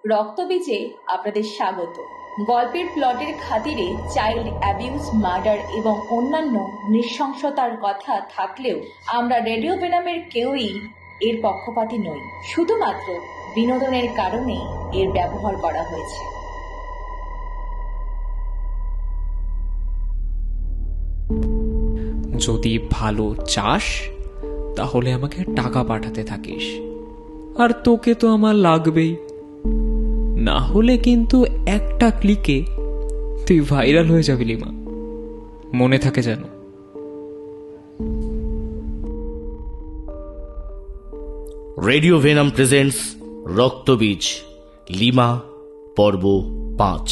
রক্তবীজে আপনাদের স্বাগত। গল্পের প্লটের খাতিরে চাইল্ড অ্যাবিউজ, মার্ডার এবং অন্যান্য নৃশংসতার কথা থাকলেও আমরা রেডিও ভেনামের কেউই এর পক্ষপাতী নই। শুধুমাত্র বিনোদনের কারণে এর ব্যবহার করা হয়েছে। যদি ভালো চাস তাহলে আমাকে টাকা পাঠাতে থাকিস, আর তোকে তো আমার লাগবেই। না হলে কিন্তু একটা ক্লিকে তুই ভাইরাল হয়ে যাবি লিমা, মনে থাকে যেন। Radio Venom presents Raktabeej, Lima, পর্ব 5।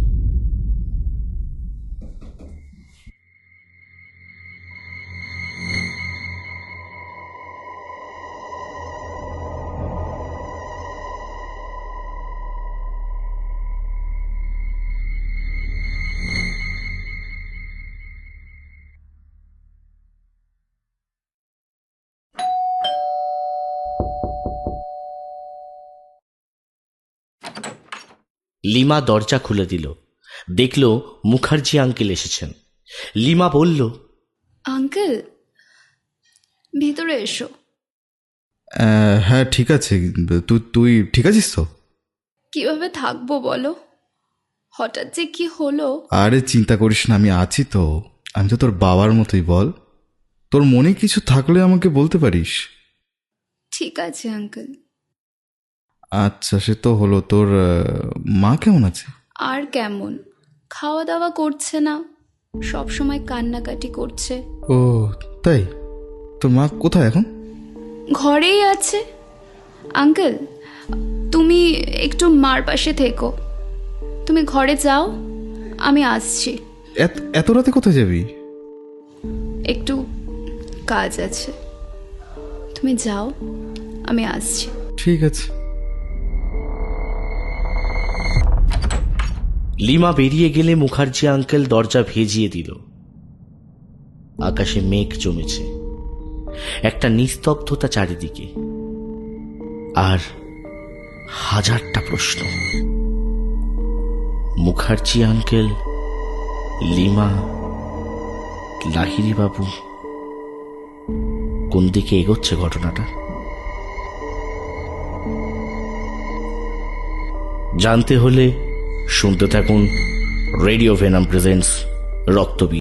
লিমা দরজা খুলে দিল। দেখল মুখার্জি আঙ্কেল এসেছেন। লিমা বলল, আঙ্কেল, ভিতরে এসো। হ্যাঁ ঠিক আছে, তুই ঠিক আছিস তো? কিভাবে থাকবো বলো, হঠাৎ যে কি হলো। আরে চিন্তা করিস না, আমি আছি তো। আমি তো তোর বাবার মতোই। বল, তোর মনে কিছু থাকলে আমাকে বলতে পারিস। ঠিক আছে আঙ্কেল। আচ্ছা, সে তো হলো। তোর মা কেমন আছে? আর কেমন, খাওয়া দাওয়া করছে না, সব সময় কান্নাকাটি করছে। ও তাই? তোর মা কোথায় এখন? ঘরেই আছে। আঙ্কেল, তুমি একটু মার পাশে থেকো। তুমি ঘরে যাও, আমি আসছি। এত রাতে কোথায় যাবি? একটু কাজ আছে, তুমি যাও, আমি আসছি। ঠিক আছে। লিমা বেরিয়ে গেলে মুখার্জি আঙ্কেল দরজা ভেজিয়ে দিল। আকাশে মেঘ জমেছে, একটা নিস্তব্ধতা চারিদিকে, আর হাজারটা প্রশ্ন। মুখার্জি আঙ্কেল, লিমা, লাহিড়ী বাবু, কোন দিকে এগোচ্ছে ঘটনাটা? জানতে হলে শুনতে থাকুন রেডিও ভেনাম প্রেজেন্টস রক্তবীজ।